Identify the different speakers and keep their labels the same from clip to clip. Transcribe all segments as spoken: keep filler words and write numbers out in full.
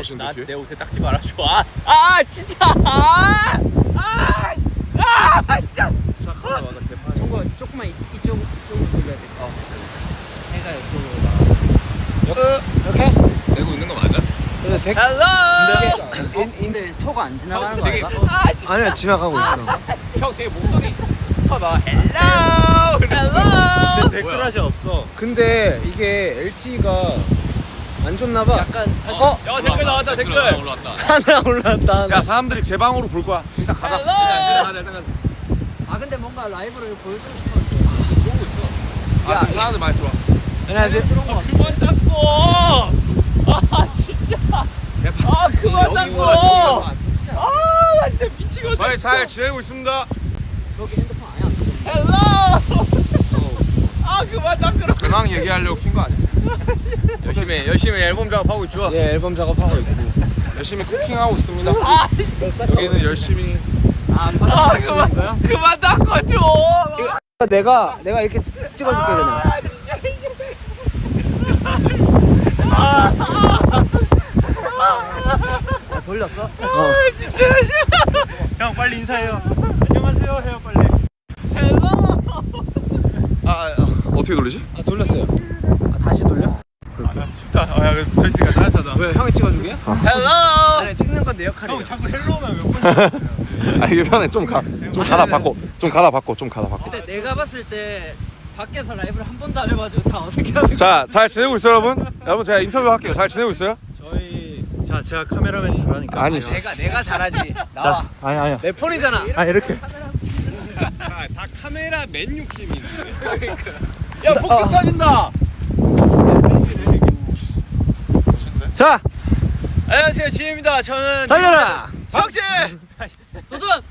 Speaker 1: 나오시는데
Speaker 2: 나,
Speaker 1: 뒤에?
Speaker 2: 내 옷에 딱지 말아줘. 아, 아 진짜. 아, 아, 아, 진짜.
Speaker 1: 시작하자마자 개판.
Speaker 3: 저거 조금만 이, 이쪽 이쪽으로 돌려야 돼. 어. 해가 이쪽으로 나.
Speaker 4: 이렇게?
Speaker 2: 내고 있는 거 맞아?
Speaker 4: 그래 덱.
Speaker 2: 헬로.
Speaker 3: 근데, 근데 초가 안 지나가는 거
Speaker 2: 되게
Speaker 3: 아닌가?
Speaker 2: 아, 진짜.
Speaker 4: 아니야 지나가고 있어.
Speaker 2: 형 되게 목소리 커봐. 헬로. 헬로.
Speaker 1: 댓글하시 없어.
Speaker 4: 근데 이게 엘티이가 안 좋나봐.
Speaker 3: 약간 다시
Speaker 4: 어?
Speaker 2: 야 댓글 나왔다 댓글.
Speaker 1: 올라왔다.
Speaker 4: 하나 올랐다 하나.
Speaker 1: 야 사람들이 제 방으로 볼 거야. 일단 가자.
Speaker 2: 헬로.
Speaker 1: 일단 일단 가자.
Speaker 3: 아 근데 뭔가 라이브를 보여주고 싶었는데
Speaker 2: 보고 있어.
Speaker 1: 아 지금 사람들 많이 들어왔어.
Speaker 4: 안녕하세요.
Speaker 3: 그런 거 같아.
Speaker 2: 그만 닦고. 아 진짜. 아 그만 닦고. 아 나 진짜 미치겠네.
Speaker 1: 저희 잘 지내고 있습니다.
Speaker 3: 저기 핸드폰 아예 안 돼.
Speaker 2: 헬로. 아 그만 닦으라.
Speaker 1: 근황 얘기하려고 킨 거 아니야?
Speaker 2: 열심히 열심히 앨범 작업하고 있죠.
Speaker 4: 예 앨범 작업하고 있고.
Speaker 1: 열심히 쿠킹하고 있습니다.
Speaker 2: 아,
Speaker 1: 여기는 열심히.
Speaker 3: 아
Speaker 2: 아
Speaker 3: 바닥
Speaker 2: 그만
Speaker 3: 거야?
Speaker 2: 그만 닦아줘.
Speaker 4: 이거 내가 내가 이렇게 찍어줄게 그냥.
Speaker 3: 아 돌렸어?
Speaker 4: 어.
Speaker 1: 형 빨리 인사해요. 안녕하세요 해요 빨리.
Speaker 2: 헬로.
Speaker 1: 아, 아 어떻게 돌리지?
Speaker 4: 아 돌렸어요. 아 다시 돌려?
Speaker 2: 아, 좋다. 아, 야, 붙어 있으니까 따뜻하다.
Speaker 4: 왜 형이 찍어주게요?
Speaker 2: 헬로.
Speaker 4: 아니 찍는 건 내 역할이에요.
Speaker 1: 자꾸 헬로 오면 몇 번? 아 이게 편해. 좀 가. 좀 가다 바꿔. 좀 가다 바꿔. 좀 가다 바꿔.
Speaker 3: 근데 내가 봤을 때 밖에서 라이브를 한 번도 안 해가지고 다 어색해하는
Speaker 1: 자, 잘 지내고 있어요, 여러분? 여러분 제가 인터뷰 할게요. 잘 지내고 있어요?
Speaker 5: 저희 자 제가 카메라맨 잘하니까
Speaker 1: 아니,
Speaker 4: 내가 내가 잘하지. 나와.
Speaker 5: 아니 아니야
Speaker 4: 내 폰이잖아.
Speaker 5: 아 이렇게
Speaker 2: 아, 다 카메라 맨 욕심이네. 야, 폭죽 터진다.
Speaker 4: 자
Speaker 2: 안녕하세요, 지혜입니다. 저는
Speaker 4: 달려라.
Speaker 2: 박진.
Speaker 3: 도전!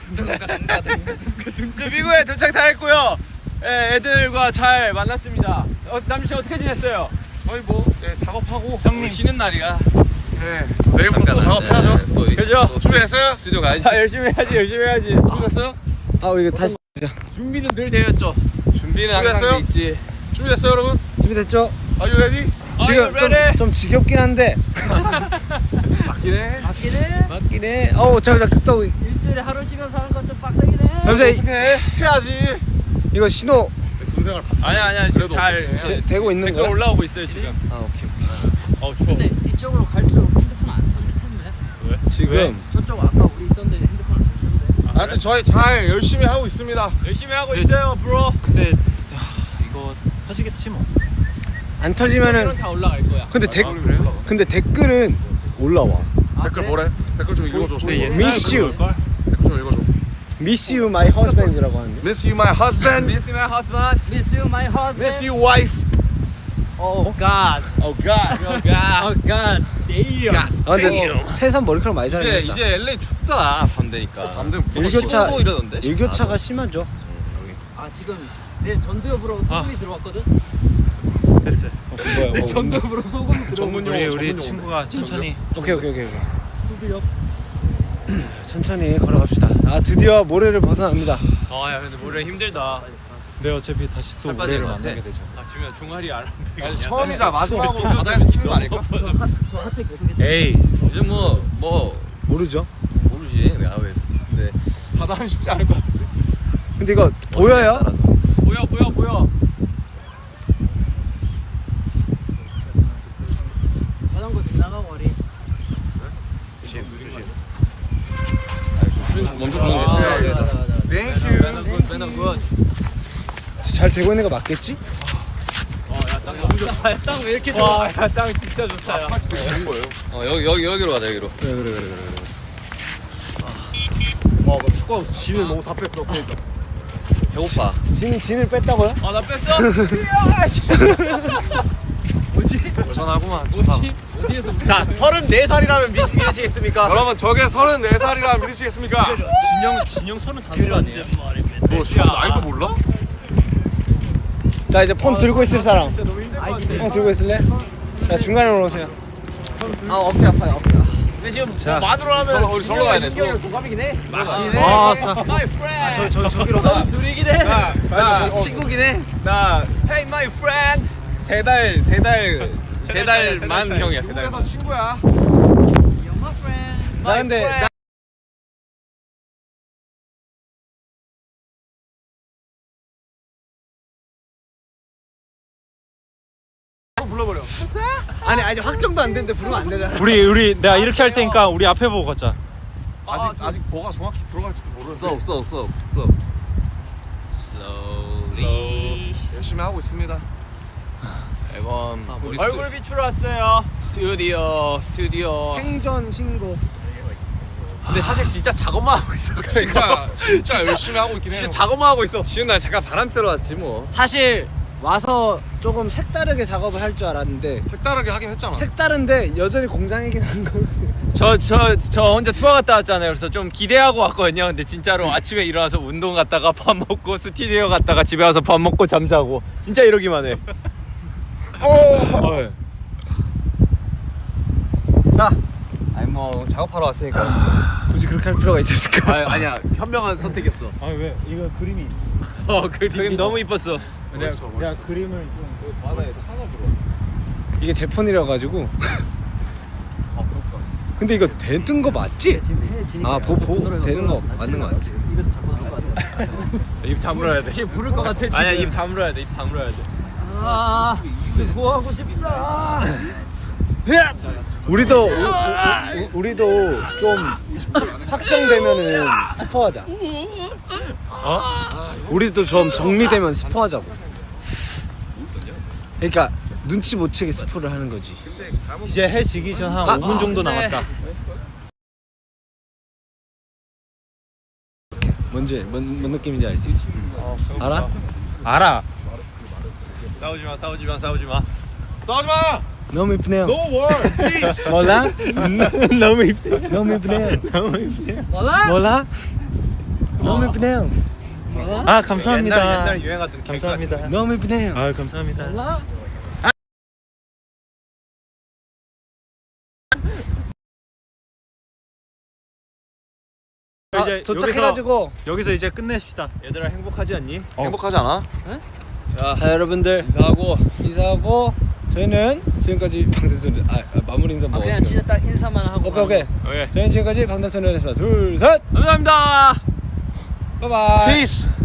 Speaker 2: 저 미국에 도착 다 했고요. 예, 애들과 잘 만났습니다. 어, 남주 씨 어떻게 지냈어요?
Speaker 1: 저희 뭐 예, 작업하고
Speaker 2: 형님 쉬는 날이야.
Speaker 1: 네, 내일부터 또 작업해야죠.
Speaker 2: 그죠?
Speaker 1: 준비됐어요?
Speaker 2: 스튜디오 가야지. 아, 열심히 해야지, 열심히 해야지.
Speaker 1: 준비됐어요?
Speaker 4: 아 이거 다시
Speaker 2: 준비는 늘 되었죠. 준비는 항상
Speaker 1: 준비됐어요?
Speaker 2: 돼 있지.
Speaker 1: 준비됐어요, 여러분?
Speaker 4: 준비됐죠?
Speaker 1: Are you ready?
Speaker 4: 지금
Speaker 2: Are you ready?
Speaker 4: 좀, 좀 지겹긴 한데
Speaker 1: 맞긴 해.
Speaker 3: 맞긴 해.
Speaker 4: 맞긴 해. 어우 잠깐 또
Speaker 3: 일주일에 하루 쉬면서 하는 건 좀 빡세긴 해.
Speaker 4: 잠시만
Speaker 1: 어떻게 해? 해야지.
Speaker 4: 이거 신호
Speaker 1: 군생활 바
Speaker 2: 아니야, 아니야. 지금
Speaker 1: 그래도
Speaker 2: 잘
Speaker 1: 어떡해.
Speaker 4: 되, 되고 있는
Speaker 2: 댓글
Speaker 4: 거야?
Speaker 2: 올라오고 있어요, 지금.
Speaker 4: 아 오케이 오케이.
Speaker 2: 어, 추워.
Speaker 3: 근데 이쪽으로 갈수록 핸드폰 안 터질 텐데.
Speaker 4: 지금
Speaker 3: 저쪽 아까 우리 있던 데 핸드폰 안 터지는데.
Speaker 1: 하여튼 저희 잘 열심히 하고 있습니다.
Speaker 2: 열심히 하고 있어요, 브로.
Speaker 5: 근데 야, 이거 터지겠지 뭐
Speaker 4: 안 터지면은
Speaker 2: 댓글은 다 올라갈 거야.
Speaker 4: 근데 댓
Speaker 1: 그래요?
Speaker 4: 근데 댓글은 올라와.
Speaker 1: 댓글 뭐래? 댓글 좀 읽어줘.
Speaker 5: 근데
Speaker 1: 댓글
Speaker 5: 옛날
Speaker 4: Miss you.
Speaker 5: 그걸
Speaker 1: 좀 읽어줘.
Speaker 4: Miss you my husband이라고 하는데.
Speaker 1: Miss you my husband.
Speaker 2: Miss my husband.
Speaker 3: Miss you, my husband.
Speaker 1: Miss you wife.
Speaker 3: Oh God.
Speaker 1: Oh God.
Speaker 2: Oh God.
Speaker 3: Oh God. Damn.
Speaker 4: 아 근데 새삼 머리카락 많이
Speaker 2: 이제
Speaker 4: 자르겠다.
Speaker 2: 이제 엘에이 춥다 밤 되니까.
Speaker 1: 밤 되면
Speaker 4: 일교차
Speaker 2: 십오 도 이러던데.
Speaker 4: 일교차가 심하죠.
Speaker 3: 아 지금 내 전두엽으로 소금이 들어왔거든.
Speaker 5: 됐어요
Speaker 4: 뭐야?
Speaker 3: 내 전두엽으로 소금이 들어온
Speaker 1: 전문
Speaker 5: 우리
Speaker 1: 용어,
Speaker 5: 우리
Speaker 1: 전문
Speaker 5: 친구가 천천히
Speaker 4: 오케이 오케이 오케이 오케이.
Speaker 3: 전두엽.
Speaker 4: 천천히 걸어갑시다. 아 드디어 모래를 벗어납니다.
Speaker 2: 아야 근데 모래 힘들다.
Speaker 5: 네 어차피 다시 또
Speaker 2: 살 빠지는
Speaker 5: 우리를
Speaker 2: 것 같아.
Speaker 5: 만나게 되죠
Speaker 2: 아 지금 종아리 안.
Speaker 1: 아니, 처음이자 마지막으로 바다에서 키는 거 아닐까?
Speaker 3: 저, 하, 저 하체 계속 했
Speaker 5: 에이
Speaker 2: 요즘 뭐뭐
Speaker 4: 모르죠?
Speaker 2: 모르지 내가 왜. 근데
Speaker 1: 바다는 쉽지 않을 것 같은데.
Speaker 4: 근데 이거 보여요?
Speaker 2: 보여 보여 보여.
Speaker 3: 자전거 지나가고 머리.
Speaker 2: 먼저
Speaker 3: 아,
Speaker 2: 보는 게.
Speaker 1: 네, 네,
Speaker 3: 맞아, 맞아, 맞아.
Speaker 1: Thank you.
Speaker 2: 매너 굿 매너 굿.
Speaker 4: 잘 되고 있는 거 맞겠지?
Speaker 2: 어야땅 너무 좋다.
Speaker 3: 땅 왜 이렇게 좋아?
Speaker 2: 와야땅 진짜 좋다. 야.
Speaker 1: 아스팔트 되게 좋은 거예요.
Speaker 2: 어 여기 여기 여기로 가자 여기로.
Speaker 4: 그래 그래 그래 그래.
Speaker 1: 와, 나 축구하면서 진을 너무 다 뺐어. 그러니까.
Speaker 2: 배고파.
Speaker 4: 진 진을 뺐다고요?
Speaker 2: 아나 뺐어?
Speaker 3: 뭐지?
Speaker 1: 여전하구만.
Speaker 3: 뭐지? 어디에서?
Speaker 2: 자 서른네 살이라면 믿으시겠습니까?
Speaker 1: 여러분, 저게 서른네 살이라 믿으시겠습니까?
Speaker 5: 진영 진영 서른다섯 아니에요?
Speaker 1: 너 지금 나이도 몰라?
Speaker 4: 자 이제 폰 들고 있을 사람.
Speaker 3: 아이디.
Speaker 4: 형 들고 있을래? 자 중간에 오세요. 아 어깨 아파요 어깨.
Speaker 2: 근데 지금
Speaker 4: 자.
Speaker 2: 만으로 하면 우리 절로 가야 돼.
Speaker 1: 민경이랑 동갑이긴 해.
Speaker 2: 맞긴 해.
Speaker 5: 아, 사-
Speaker 2: My friend.
Speaker 4: 저 저 저기로
Speaker 2: 나-
Speaker 4: 가.
Speaker 3: 둘이긴 해.
Speaker 2: 나, 나
Speaker 4: 친구긴 해.
Speaker 2: 나 Hey my friend. 세 달 세 달 세 달만 형이야 세
Speaker 1: 미국에서
Speaker 2: 달만.
Speaker 1: 친구야.
Speaker 4: 나 근데 나
Speaker 1: 불러버려.
Speaker 4: 아니 아직 확정도 안 됐는데 부르면 안 되잖아.
Speaker 5: 우리 우리 내가 이렇게 할 테니까 우리 앞에 보고 가자.
Speaker 1: 아직 아직 뭐가 정확히 들어갈지도 모르는데.
Speaker 2: slow slow slow slow slowly
Speaker 1: 열심히 하고 있습니다.
Speaker 2: 앨범 우리
Speaker 3: 얼굴 비추러 왔어요.
Speaker 2: 스튜디오 스튜디오
Speaker 4: 생전 신곡.
Speaker 2: 근데 사실 진짜 작업만 하고 있어.
Speaker 1: 진짜 진짜 열심히 하고 있긴 해요.
Speaker 2: 진짜 작업만 하고 있어. 쉬운 날 잠깐 바람 쐬러 왔지 뭐.
Speaker 4: 사실 와서 조금 색다르게 작업을 할 줄 알았는데
Speaker 1: 색다르게 하긴 했잖아.
Speaker 4: 색다른데 여전히 공장이긴 한 거.
Speaker 3: 저 저 저 혼자 투어 갔다 왔잖아요. 그래서 좀 기대하고 왔거든요. 근데 진짜로 아침에 일어나서 운동 갔다가 밥 먹고 스튜디오 갔다가 집에 와서 밥 먹고 잠자고 진짜 이러기만 해.
Speaker 1: 어.
Speaker 3: 자, 아니 뭐 작업하러 왔으니까.
Speaker 4: 굳이 그렇게 할 필요가 있었을까?
Speaker 2: 아 아니야 현명한 선택이었어.
Speaker 5: 아 왜? 이거 그림이.
Speaker 3: 어 그림 너무 이뻤어.
Speaker 5: 내가
Speaker 1: 멋있어,
Speaker 5: 내가
Speaker 1: 멋있어.
Speaker 5: 그림을 좀.
Speaker 4: 이게 제 폰이라 가지고. 근데 이거 되는 거 맞지? 아, 보, 보 되는 거 맞는 거 같지?
Speaker 3: 입 다물어야 돼. 지금 부를 것 같아 지금. 아니야 입 다물어야 돼. 입 다물어야 돼. 아, 뭐 하고 싶다.
Speaker 4: 우리도 우, 우, 우리도 좀 확정되면은 스포하자.
Speaker 5: 어?
Speaker 4: 우리도 좀 정리되면 스포하자고. 그러니까 눈치 못 채게 스포를 하는 거지.
Speaker 5: 이제 해 지기 전 한
Speaker 4: 아,
Speaker 5: 오 분 정도
Speaker 3: 네.
Speaker 5: 남았다.
Speaker 4: 뭔지 뭔, 뭔 느낌인지 알지? 알아?
Speaker 5: 알아.
Speaker 3: 싸우지 마, 싸우지 마, 싸우지 마.
Speaker 1: 싸우지 마.
Speaker 4: 너무 이쁘네요.
Speaker 1: No war, peace.
Speaker 4: 몰라?
Speaker 5: 너무 이쁘.
Speaker 4: 너무 이쁘네요.
Speaker 5: 너무 이쁘네요.
Speaker 3: 몰라?
Speaker 4: 몰라? 너무 이쁘네요.
Speaker 5: 아 감사합니다.
Speaker 3: 옛날 옛날 유행하던 캐릭터
Speaker 5: 감사합니다.
Speaker 4: 너무 이쁘네요.
Speaker 5: 아 감사합니다.
Speaker 3: 몰라?
Speaker 4: 아,
Speaker 5: 이제
Speaker 4: 도착해가지고
Speaker 5: 여기서 이제 끝냅시다.
Speaker 3: 얘들아 행복하지 않니?
Speaker 1: 행복하지 않아?
Speaker 4: 자 여러분들 인사하고 인사하고 저희는 지금까지 방탄소년 아, 아 마무리 인사 뭐
Speaker 3: 그냥
Speaker 4: 어떻게
Speaker 3: 진짜 딱 인사만 하고.
Speaker 4: 오케이 오케이
Speaker 3: 오케이.
Speaker 4: 저희는 지금까지 방탄소년이었습니다. 둘 셋
Speaker 3: 감사합니다.
Speaker 4: 바이바이
Speaker 1: Peace.